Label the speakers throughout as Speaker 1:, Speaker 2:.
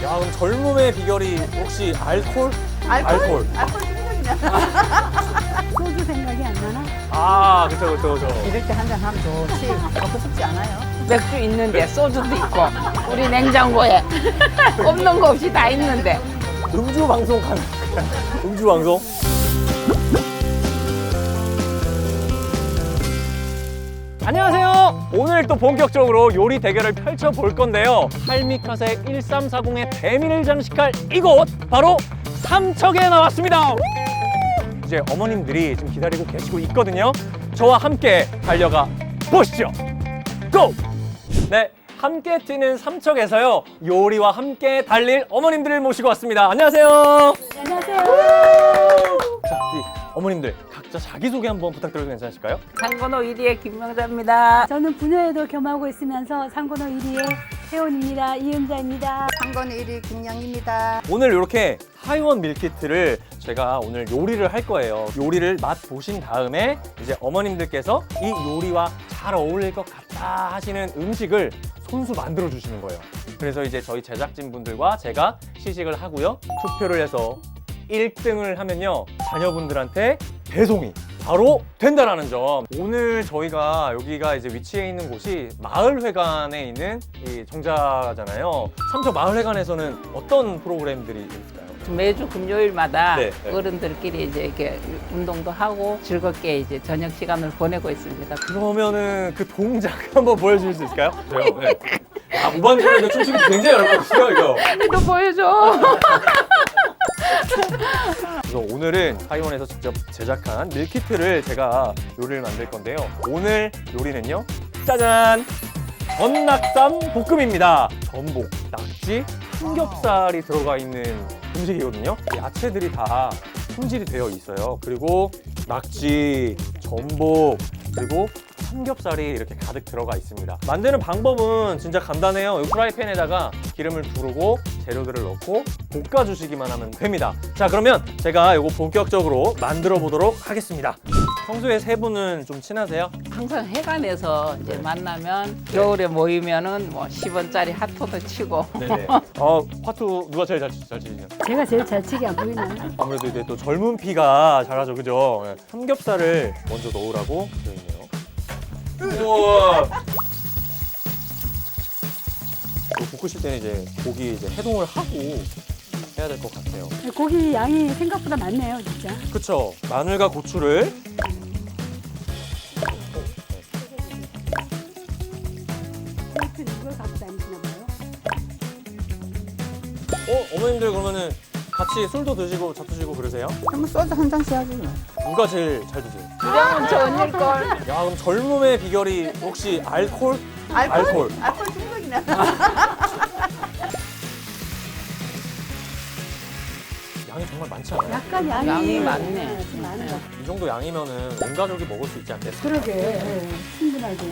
Speaker 1: 야, 그럼 젊음의 비결이 혹시 알코올?
Speaker 2: 알코올 생각이나.
Speaker 3: 소주 생각이 안 나나?
Speaker 1: 아, 그쵸.
Speaker 2: 이럴 때 한 잔 하면 좋지. 먹고 싶지 않아요?
Speaker 4: 맥주 있는데 소주도 있고 우리 냉장고에 없는 거 없이 다 있는데.
Speaker 1: 음주 방송 가능. 음주 방송. 안녕하세요. 오늘 또 본격적으로 요리 대결을 펼쳐볼 건데요. 할미카세 1340의 대미를 장식할 이곳 바로 삼척에 나왔습니다. 이제 어머님들이 지금 기다리고 계시고 있거든요. 저와 함께 달려가 보시죠. 고! 네, 함께 뛰는 삼척에서요. 요리와 함께 달릴 어머님들을 모시고 왔습니다. 안녕하세요.
Speaker 3: 안녕하세요.
Speaker 1: 자, 우리 어머님들 각자 자기소개 한번 부탁드려도 괜찮으실까요?
Speaker 4: 상건호 1위의 김명자입니다.
Speaker 3: 저는 분야에도 겸하고 있으면서 상고노 1위의 회원입니다. 이은자입니다.
Speaker 2: 상권 1위 김양입니다.
Speaker 1: 오늘 이렇게 하이원 밀키트를 제가 오늘 요리를 할 거예요. 요리를 맛 보신 다음에 이제 어머님들께서 이 요리와 잘 어울릴 것 같다 하시는 음식을 손수 만들어 주시는 거예요. 그래서 이제 저희 제작진 분들과 제가 시식을 하고요. 투표를 해서 1등을 하면요. 자녀분들한테 배송이 바로 된다라는 점. 오늘 저희가 여기가 이제 위치해 있는 곳이 마을회관에 있는 이 정자잖아요. 삼척 마을회관에서는 어떤 프로그램들이 있을까요?
Speaker 4: 매주 금요일마다
Speaker 1: 네.
Speaker 4: 어른들끼리 이제 이렇게 운동도 하고 즐겁게 이제 저녁 시간을 보내고 있습니다.
Speaker 1: 그러면은 그 동작 한번 보여주실 수 있을까요? 저요? 네. 아, 무반주로 춤추기 굉장히 어렵거든요, 이거.
Speaker 4: 또 보여줘.
Speaker 1: 그래서 오늘은 하이원에서 직접 제작한 밀키트를 제가 요리를 만들 건데요. 오늘 요리는요, 짜잔! 전낙삼 볶음입니다. 전복, 낙지, 삼겹살이 들어가 있는 음식이거든요. 야채들이 다 손질이 되어 있어요. 그리고 낙지, 전복, 그리고 삼겹살이 이렇게 가득 들어가 있습니다. 만드는 방법은 진짜 간단해요. 이 프라이팬에다가 기름을 두르고 재료들을 넣고 볶아주시기만 하면 됩니다. 자, 그러면 제가 이거 본격적으로 만들어 보도록 하겠습니다. 평소에 세 분은 좀 친하세요?
Speaker 4: 항상 해관에서 이제 만나면 겨울에 모이면은 뭐 10원짜리 핫도도 치고.
Speaker 1: 네네. 화투 누가 제일 잘 치시죠?
Speaker 3: 제가 제일 잘 치기 안 보이나요?
Speaker 1: 아무래도 이제 또 젊은 피가 잘하죠, 그죠? 네. 삼겹살을 먼저 넣으라고 되어 있네요. 우와. 이거 볶으실 때는 이제 고기 이제 해동을 하고 해야 될 것 같아요.
Speaker 3: 고기 양이 생각보다 많네요, 진짜.
Speaker 1: 그쵸? 마늘과 고추를
Speaker 3: 테이프는 이걸 갖고 다니시나 봐요.
Speaker 1: 어머님들 그러면은 같이 술도 드시고 잡수시고 그러세요?
Speaker 2: 한번 소주 한 잔씩 하지.
Speaker 1: 누가 제일 잘 드세요?
Speaker 4: 주량은 저 언니걸.
Speaker 1: 야, 그럼 젊음의 비결이 혹시 알코올?
Speaker 2: 알코올 생각이나.
Speaker 1: 양이 정말 많지 않아요?
Speaker 3: 약간
Speaker 4: 양이 많네.
Speaker 3: 좀 많은 것
Speaker 1: 이 정도 양이면은 온 가족이 먹을 수 있지 않겠어요?
Speaker 3: 그러게. 네, 충분하게.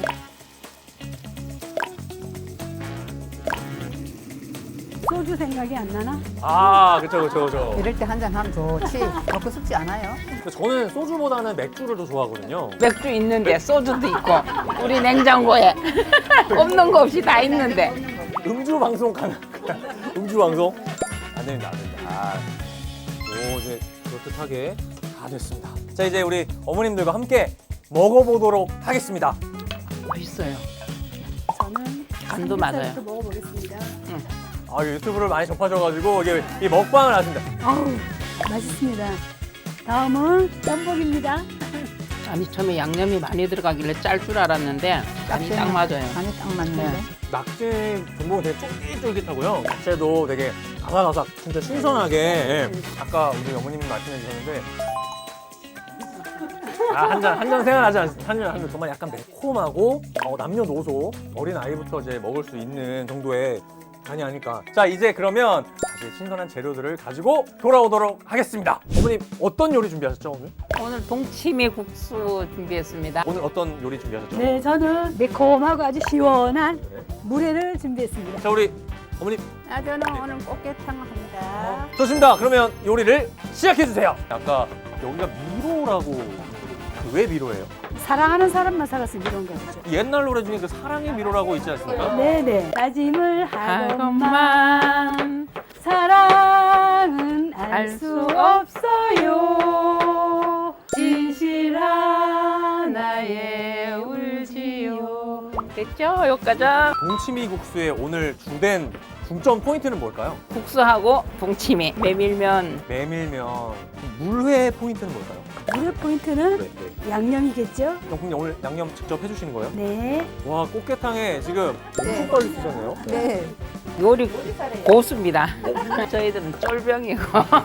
Speaker 3: 소주 생각이 안 나나?
Speaker 1: 아, 그쵸.
Speaker 2: 이럴 때 한 잔 하면 좋지. 먹고 싶지 않아요?
Speaker 1: 저는 소주보다는 맥주를 더 좋아하거든요.
Speaker 4: 맥주 있는데 소주도 있고 우리 냉장고에 없는 거 없이 다 있는데.
Speaker 1: 음주 방송 가능. 음주 방송? 안 됩니다. 오, 이제 그럴듯하게 다 됐습니다. 자, 이제 우리 어머님들과 함께 먹어보도록 하겠습니다.
Speaker 4: 맛있어요.
Speaker 3: 저는
Speaker 4: 간도
Speaker 3: 삼겹살부터
Speaker 4: 맞아요.
Speaker 3: 먹어보겠습니다.
Speaker 1: 아, 유튜브를 많이 접하셔가지고 이게 이 먹방을 하신다.
Speaker 3: 아우, 맛있습니다. 다음은 전복입니다.
Speaker 4: 아니 처음에 양념이 많이 들어가길래 짤 줄 알았는데 간이 딱 맞아요.
Speaker 2: 간이 딱 맞는데.
Speaker 4: 네.
Speaker 1: 낙지 전복은 되게 쫄깃쫄깃하고요. 야채도 되게 아삭아삭, 진짜 신선하게. 예. 아까 우리 어머님이 말씀해 주셨는데 한 잔 생각나지 않습니다. 한잔 정말 약간 매콤하고 남녀노소 어린 아이부터 이제 먹을 수 있는 정도의 간이 아닐까. 자, 이제 그러면 다시 신선한 재료들을 가지고 돌아오도록 하겠습니다. 어머님 어떤 요리 준비하셨죠 오늘?
Speaker 4: 오늘 동치미 국수 준비했습니다.
Speaker 1: 오늘 어떤 요리 준비하셨죠?
Speaker 3: 네, 저는 매콤하고 아주 시원한 물회를 준비했습니다.
Speaker 1: 자, 우리 어머님
Speaker 2: 저는 오늘 꽃게탕을 합니다.
Speaker 1: 좋습니다. 그러면 요리를 시작해 주세요. 아까 여기가 미로라고 왜 미로예요?
Speaker 3: 사랑하는 사람만 살았으면 이런 거죠.
Speaker 1: 옛날 노래 중에 그 사랑의 미로라고 있지 않습니까?
Speaker 3: 네네. 다짐을 하건만
Speaker 4: 하건만
Speaker 3: 알 수 없어요. 진실한 나의 울지요.
Speaker 4: 됐죠? 여기까지.
Speaker 1: 동치미 국수의 오늘 주된 중점 포인트는 뭘까요?
Speaker 4: 국수하고 동치미, 메밀면.
Speaker 1: 메밀면. 물회 포인트는 뭘까요?
Speaker 3: 물의 포인트는
Speaker 1: 네.
Speaker 3: 양념이겠죠?
Speaker 1: 형님 오늘 양념 직접 해주시는 거예요?
Speaker 3: 네.
Speaker 1: 와, 꽃게탕에 지금 엄청
Speaker 2: 네.
Speaker 1: 빨리 쓰셨네요.
Speaker 2: 네.
Speaker 4: 요리 고수입니다. 저희들은 쫄병이고.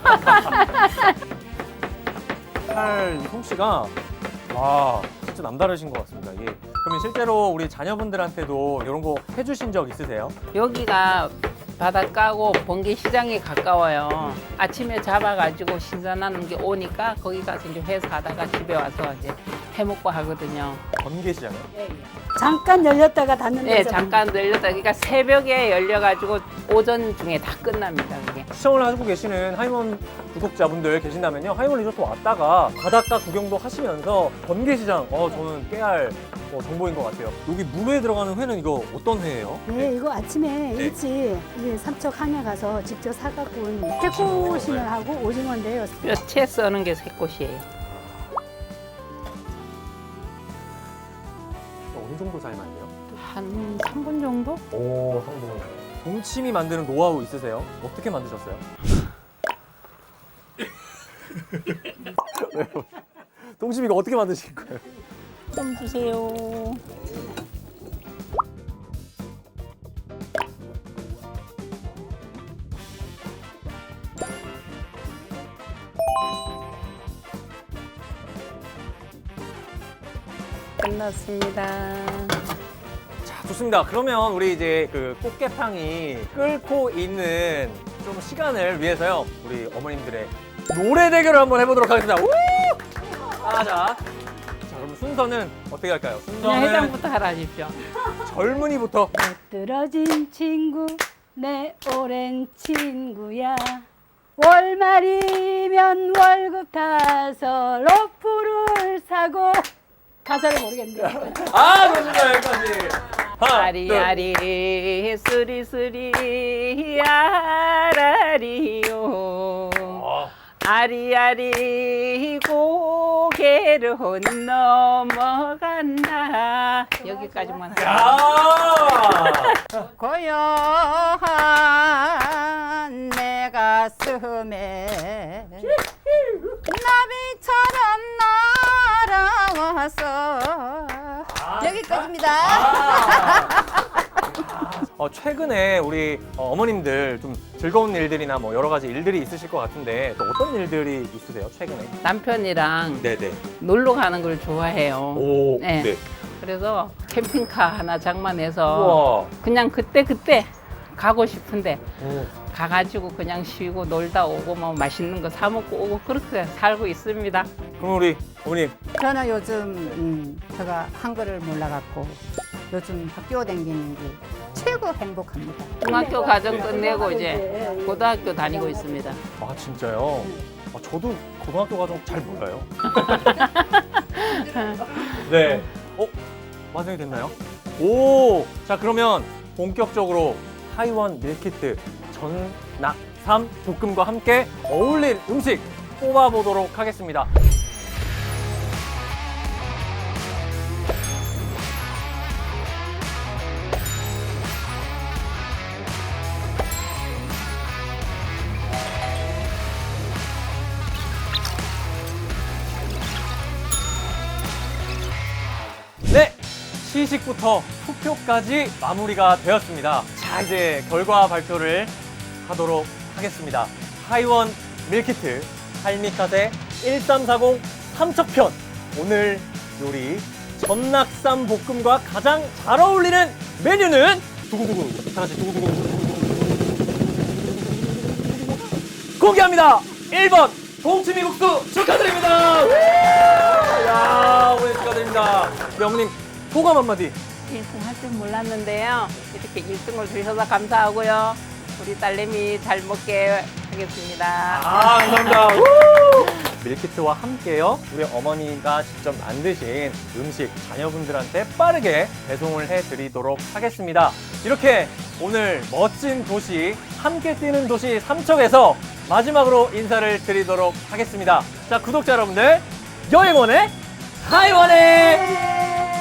Speaker 1: 칼 솜씨가 와 진짜 남다르신 것 같습니다. 예. 그러면 실제로 우리 자녀분들한테도 이런 거 해주신 적 있으세요?
Speaker 4: 여기가 바다 까고 번개 시장에 가까워요. 아침에 잡아가지고 신선한 게 오니까 거기 가서 이제 회사하다가 집에 와서 이제 해먹고 하거든요.
Speaker 1: 번개시장이요?
Speaker 3: 잠깐 열렸다가 닫는
Speaker 4: 네,
Speaker 3: 데서
Speaker 4: 잠깐 열렸다. 그러니까 새벽에 열려가지고 오전 중에 다 끝납니다. 그게.
Speaker 1: 시청을 하고 계시는 하이원 구독자분들 계신다면요. 하이원 리조트 왔다가 바닷가 구경도 하시면서 번개시장 저는 깨알 정보인 것 같아요. 여기 물회에 들어가는 회는 이거 어떤 회예요?
Speaker 3: 네, 이거 아침에
Speaker 1: 네.
Speaker 3: 일찍 이제 삼척 항에 가서 직접 사갖고 온 새꼬시하고 오징어인데요.
Speaker 4: 뼈채 써는 게 새꽃이에요.
Speaker 1: 어느 정도 삶아야 돼요?
Speaker 4: 한 3분 정도?
Speaker 1: 오, 성공. 동치미 만드는 노하우 있으세요? 어떻게 만드셨어요? 왜요? 동치미 이거 어떻게 만드실 거예요?
Speaker 4: 좀 주세요. 끝났습니다.
Speaker 1: 자, 좋습니다. 그러면 우리 이제 그 꽃게탕이 끓고 있는 좀 시간을 위해서요. 우리 어머님들의 노래 대결을 한번 해보도록 하겠습니다. 우! 자, 그럼 순서는 어떻게 할까요?
Speaker 4: 그냥
Speaker 1: 순서는
Speaker 4: 해장부터 하라 하십시오.
Speaker 1: 젊은이부터.
Speaker 3: 떨어진 친구 내 오랜 친구야. 월말이면 월급 타서 로프를 사고 가사를 모르겠네요.
Speaker 1: 좋습니다. 여기까지. 하나,
Speaker 4: 아리아리 쓰리쓰리 아라리요 아리아리 고개로 넘어간다. 여기까지만
Speaker 1: 둘.
Speaker 4: 하겠습니다.
Speaker 1: 야!
Speaker 2: 고요한 내 가슴에 나비처럼 날아와서 여기까지입니다.
Speaker 1: 최근에 우리 어머님들 좀 즐거운 일들이나 뭐 여러 가지 일들이 있으실 것 같은데 또 어떤 일들이 있으세요? 최근에?
Speaker 4: 남편이랑
Speaker 1: 네네.
Speaker 4: 놀러 가는 걸 좋아해요.
Speaker 1: 오,
Speaker 4: 네. 그래서 캠핑카 하나 장만해서
Speaker 1: 우와.
Speaker 4: 그냥 그때 가고 싶은데
Speaker 1: 오.
Speaker 4: 가가지고 그냥 쉬고 놀다 오고 뭐 맛있는 거 사 먹고 오고 그렇게 살고 있습니다.
Speaker 1: 그럼 우리 어머님
Speaker 2: 저는 요즘 제가 한글을 몰라갖고 요즘 학교 다니는 게 최고 행복합니다.
Speaker 4: 중학교 과정 끝내고 이제 고등학교 다니고 있습니다.
Speaker 1: 아 진짜요? 저도 고등학교 과정 잘 몰라요. 네. 완성이 됐나요? 오. 자 그러면 본격적으로 하이원 밀키트 전낙삼 볶음과 함께 어울릴 음식 뽑아보도록 하겠습니다. 네, 시식부터 투표까지 마무리가 되었습니다. 자, 이제 결과 발표를 하도록 하겠습니다. 하이원 밀키트 할미카세 1340 삼척편 오늘 요리 전낙삼 볶음과 가장 잘 어울리는 메뉴는 두구두구 하나씩 두구두구 공개합니다. 1번 동치미 국수 축하드립니다. 야, 오늘 축하드립니다. 네, 어머님 소감 한마디.
Speaker 4: 1등 할 줄 몰랐는데요. 이렇게 1등을 주셔서 감사하고요. 우리 딸내미 잘 먹게 하겠습니다.
Speaker 1: 감사합니다. 밀키트와 함께요. 우리 어머니가 직접 만드신 음식 자녀분들한테 빠르게 배송을 해드리도록 하겠습니다. 이렇게 오늘 멋진 도시, 함께 뛰는 도시 삼척에서 마지막으로 인사를 드리도록 하겠습니다. 자, 구독자 여러분들, 여행원의 하이원의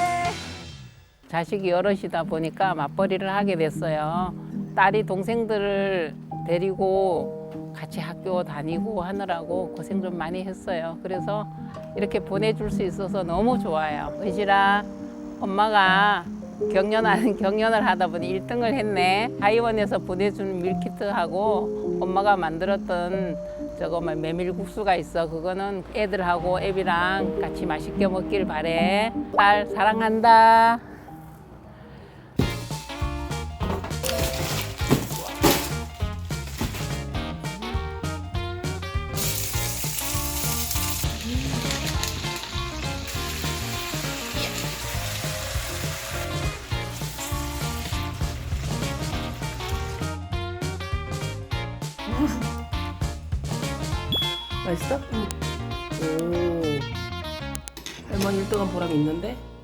Speaker 4: 자식이 여럿이다 보니까 맞벌이를 하게 됐어요. 딸이 동생들을 데리고 같이 학교 다니고 하느라고 고생 좀 많이 했어요. 그래서 이렇게 보내줄 수 있어서 너무 좋아요. 의실아, 엄마가 경연을 하다 보니 1등을 했네. 하이원에서 보내준 밀키트하고 엄마가 만들었던 저거 메밀국수가 있어. 그거는 애들하고 애비랑 같이 맛있게 먹길 바래. 딸 사랑한다.
Speaker 5: 맛있어? 오. 할머니 1등한 보람이 있는데?